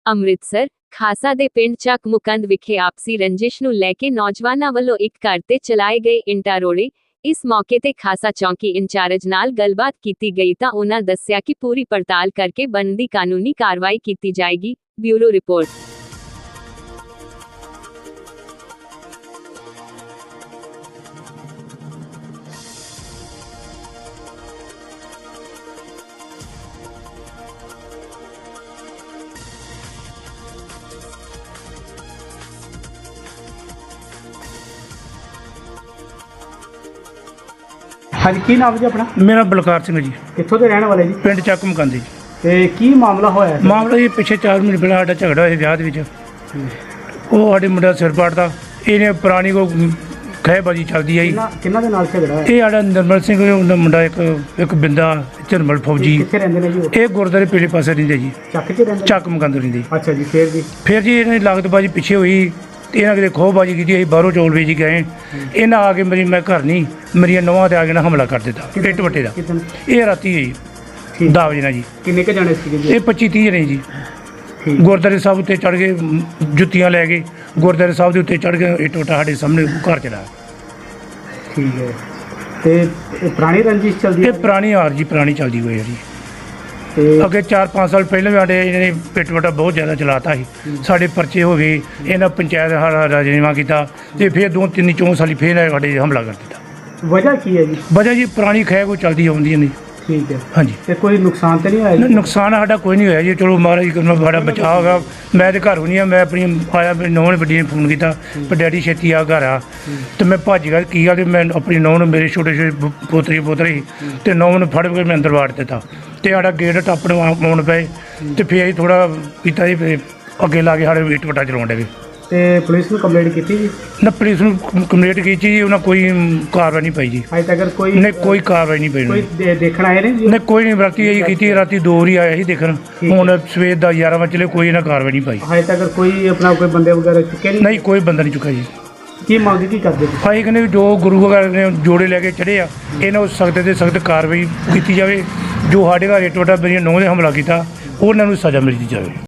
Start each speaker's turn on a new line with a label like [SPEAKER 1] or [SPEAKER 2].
[SPEAKER 1] ਅੰਮ੍ਰਿਤਸਰ ਖਾਸਾ ਦੇ ਪਿੰਡ ਚੱਕ ਮੁਕੰਦ ਵਿਖੇ ਆਪਸੀ ਰੰਜਿਸ਼ ਨੂੰ ਲੈ ਕੇ ਨੌਜਵਾਨਾਂ ਵੱਲੋਂ ਇੱਕ ਘਰ ਤੇ ਚਲਾਏ ਗਏ ਇੰਟਾ ਰੋੜੇ। ਇਸ ਮੌਕੇ ਤੇ ਖਾਸਾ ਚੌਂਕੀ ਇੰਚਾਰਜ ਨਾਲ ਗੱਲਬਾਤ ਕੀਤੀ ਗਈ ਤਾਂ ਉਹਨਾਂ ਦੱਸਿਆ ਕਿ ਪੂਰੀ ਪੜਤਾਲ ਕਰਕੇ ਬਣਦੀ ਕਾਨੂੰਨੀ ਕਾਰਵਾਈ ਕੀਤੀ ਜਾਏਗੀ। Bureau report.
[SPEAKER 2] हाँ जी, की नाम जी अपना?
[SPEAKER 3] मेरा बलकार सिंह जी,
[SPEAKER 2] कित्थों के रहने वाले जी?
[SPEAKER 3] पिंड ਚੱਕ ਮਕਾਂਦੀ ਜੀ।
[SPEAKER 2] ते की मामला होया है?
[SPEAKER 3] ਮਾਮਲਾ ਜੀ ਪਿੱਛੇ 4 ਮਹੀਨੇ ਪਹਿਲਾਂ ਸਾਡਾ ਝਗੜਾ ਹੋਇਆ ਵਿਆਹ ਦੇ ਵਿੱਚ। ਉਹ ਸਾਡੇ ਮੁੰਡਾ ਸਿਰ ਪਾੜਦਾ, ਇਹਨੇ ਪੁਰਾਣੀ ਕੋ ਖਹਿਬਾਜੀ ਚੱਲਦੀ ਆਈ।
[SPEAKER 2] ਕਿੰਨਾ ਦੇ ਨਾਲ ਝਗੜਾ ਹੈ?
[SPEAKER 3] ਇਹ ਸਾਡਾ ਨਿਰਮਲ ਸਿੰਘ ਉਹਦਾ ਮੁੰਡਾ ਇੱਕ ਬਿੰਦਾ ਝਰਮਲ ਫੌਜੀ।
[SPEAKER 2] ਕਿੱਥੇ ਰਹਿੰਦੇ ਨੇ ਜੀ ਉਹ?
[SPEAKER 3] ਇਹ ਗੁਰਦੁਆਰੇ ਪਿਛਲੇ ਪਾਸੇ ਰਹਿੰਦੇ ਜੀ,
[SPEAKER 2] ਚੱਕ 'ਚ ਰਹਿੰਦੇ?
[SPEAKER 3] ਚੱਕ ਮਕਾਂਦੇ ਰਹਿੰਦੇ।
[SPEAKER 2] ਅੱਛਾ ਜੀ, ਫਿਰ
[SPEAKER 3] ਜੀ ਇਹਨਾਂ ਦੀ ਲਾਗਤਬਾਜੀ ਪਿੱਛੇ ਹੋਈ, ਇਹਨਾਂ ਕਿਤੇ ਖੋਹਬਾਜੀ ਕੀਤੀ, ਅਸੀਂ ਬਾਹਰੋਂ ਚੌਲ ਵੇਚ ਗਏ। ਇਹਨਾਂ ਆ ਕੇ ਮੈਂ ਘਰ ਨਹੀਂ, ਮੇਰੀਆਂ ਨੌਹਾਂ ਤੇ ਆ ਕੇ ਨਾ ਹਮਲਾ ਕਰ ਦਿੱਤਾ ਇੱਟ ਵੱਟੇ ਦਾ। ਇਹ ਰਾਤੀ ਹੋਈ 10 ਵਜੇ ਨਾਲ ਜੀ।
[SPEAKER 2] ਕਿੰਨੇ ਕੁ ਜਾਣੇ ਸੀਗੇ ਜੀ?
[SPEAKER 3] ਇਹ 25-30 ਜਣੇ ਜੀ। ਗੁਰਦੁਆਰੇ ਸਾਹਿਬ ਉੱਤੇ ਚੜ੍ਹ ਕੇ ਜੁੱਤੀਆਂ ਲੈ ਕੇ ਗੁਰਦੁਆਰੇ ਸਾਹਿਬ ਦੇ ਉੱਤੇ ਚੜ੍ਹ ਕੇ ਇੱਟ ਵੱਟਾ ਸਾਡੇ ਸਾਹਮਣੇ ਘਰ ਚਲਾ।
[SPEAKER 2] ਠੀਕ ਹੈ। ਤੇ ਇਹ ਪੁਰਾਣੀ ਰੰਜਿਸ਼ ਚੱਲਦੀ
[SPEAKER 3] ਇਹ ਪੁਰਾਣੀ ਹਾਰ ਜੀ, ਪੁਰਾਣੀ ਚੱਲਦੀ ਹੋਈ ਹੈ ਜੀ।
[SPEAKER 2] ਤੇ
[SPEAKER 3] ਅੱਗੇ 4-5 ਸਾਲ ਪਹਿਲਾਂ ਵੀ ਸਾਡੇ ਇਹਨਾਂ ਨੇ ਪਿੱਟ ਵੱਟਾ ਬਹੁਤ ਜ਼ਿਆਦਾ ਚਲਾਤਾ ਸੀ। ਸਾਡੇ ਪਰਚੇ ਹੋ ਗਏ, ਇਹਨਾਂ ਪੰਚਾਇਤ ਰਾਜਨੀਵਾ ਕੀਤਾ ਤੇ ਫਿਰ 2-3-4 ਸਾਲੀ ਫਿਰ ਸਾਡੇ ਹਮਲਾ ਕਰ ਦਿੱਤਾ।
[SPEAKER 2] ਵਜ੍ਹਾ ਕੀ ਹੈ ਜੀ?
[SPEAKER 3] ਵਜ੍ਹਾ ਜੀ ਪੁਰਾਣੀ ਖਹਿ ਕੋ ਚੱਲਦੀ ਆਉਂਦੀ ਨਹੀਂ।
[SPEAKER 2] ਠੀਕ ਹੈ।
[SPEAKER 3] ਹਾਂਜੀ।
[SPEAKER 2] ਤੇ ਕੋਈ ਨੁਕਸਾਨ ਤਾਂ ਨਹੀਂ ਹੋਇਆ ਜੀ?
[SPEAKER 3] ਨੁਕਸਾਨ ਸਾਡਾ ਕੋਈ ਨਹੀਂ ਹੋਇਆ ਜੀ, ਚਲੋ ਮਹਾਰਾਜ ਕਰਨਾ ਸਾਡਾ ਬਚਾਅ ਹੋ ਗਿਆ। ਮੈਂ ਤੇ ਘਰ ਨਹੀਂ ਆ, ਮੈਂ ਆਪਣੀ ਆਇਆ, ਮੇਰੀ ਨੌਂ ਨੇ ਵੱਡੀ ਨੇ ਫੋਨ ਕੀਤਾ ਪਰ ਡੈਡੀ ਛੇਤੀ ਆ ਘਰ ਆ। ਤੇ ਮੈਂ ਭੱਜ ਗਿਆ। ਕੀ ਗੱਲ, ਮੈਂ ਆਪਣੀ ਨੌਂ ਨੂੰ, ਮੇਰੇ ਛੋਟੇ ਪੋਤਰੇ ਤੇ ਨੌਂ ਨੂੰ ਫੜ ਕੇ ਮੈਂ ਅੰਦਰ ਵਾੜ ਦਿੱਤਾ ਤੇ ਸਾਡਾ ਗੇਟ ਟੱਪਣ ਆਉਣ ਪਏ ਤੇ ਫਿਰ ਅਸੀਂ ਥੋੜਾ ਪੀਤਾ ਜੀ, ਫਿਰ ਅੱਗੇ ਲਾ ਕੇ ਸਾਡੇ ਇੱਟ ਵੱਟਾ ਚਲਾਉਣ ਡੇ।
[SPEAKER 2] ਤੇ ਪੁਲਿਸ ਨੂੰ ਕੰਪਲੇਂਟ ਕੀਤੀ ਜੀ?
[SPEAKER 3] ਨਾ ਪੁਲਿਸ ਨੂੰ ਕੰਪਲੇਂਟ ਕੀਤੀ ਜੀ, ਉਹਨਾਂ ਕੋਈ ਕਾਰਵਾਈ ਨਹੀਂ ਪਾਈ ਜੀ।
[SPEAKER 2] ਅਜੇ ਤੱਕ ਕੋਈ
[SPEAKER 3] ਨਹੀਂ, ਕੋਈ ਕਾਰਵਾਈ ਨਹੀਂ ਪਈ।
[SPEAKER 2] ਕੋਈ ਦੇਖਣ ਆਏ ਨੇ ਜੀ?
[SPEAKER 3] ਨਹੀਂ, ਕੋਈ ਨਹੀਂ। ਰਾਤੀ ਇਹੀ ਕੀਤੀ, ਰਾਤੀ 2 ਵਾਰੀ ਆਇਆ ਸੀ ਦੇਖਣ। ਹੁਣ ਸਵੇਰ ਦਾ 11 ਵਜੇ ਚਲੇ, ਕੋਈ ਇਹਨਾਂ ਕਾਰਵਾਈ ਨਹੀਂ ਪਾਈ।
[SPEAKER 2] ਅਜੇ ਤੱਕ ਕੋਈ ਆਪਣਾ ਕੋਈ ਬੰਦੇ ਵਗੈਰਾ ਚੁੱਕੇ ਨਹੀਂ?
[SPEAKER 3] ਨਹੀਂ, ਕੋਈ ਬੰਦਾ ਨਹੀਂ ਚੁੱਕਾ ਜੀ।
[SPEAKER 2] ਕੀ ਮੰਗ ਕੀ ਕਰਦੇ ਤੁਸੀਂ?
[SPEAKER 3] ਭਾਈ ਕਹਿੰਦੇ ਵੀ ਜੋ ਗੁਰੂ ਵਗੈਰਾ ਨੇ ਜੋੜੇ ਲੈ ਕੇ ਚੜ੍ਹੇ ਆ, ਇਹਨਾਂ ਨੂੰ ਸਖਤ ਤੇ ਸਖਤ ਕਾਰਵਾਈ ਕੀਤੀ ਜਾਵੇ। ਜੋ ਸਾਡੇ ਘਰ ਇੱਟ ਵੱਟਾ ਮੇਰੀਆਂ ਨੌਂ ਨੇ ਹਮਲਾ ਕੀਤਾ, ਉਹਨਾਂ ਨੂੰ ਸਜ਼ਾ ਮਿਲਣੀ ਜਾਵੇ।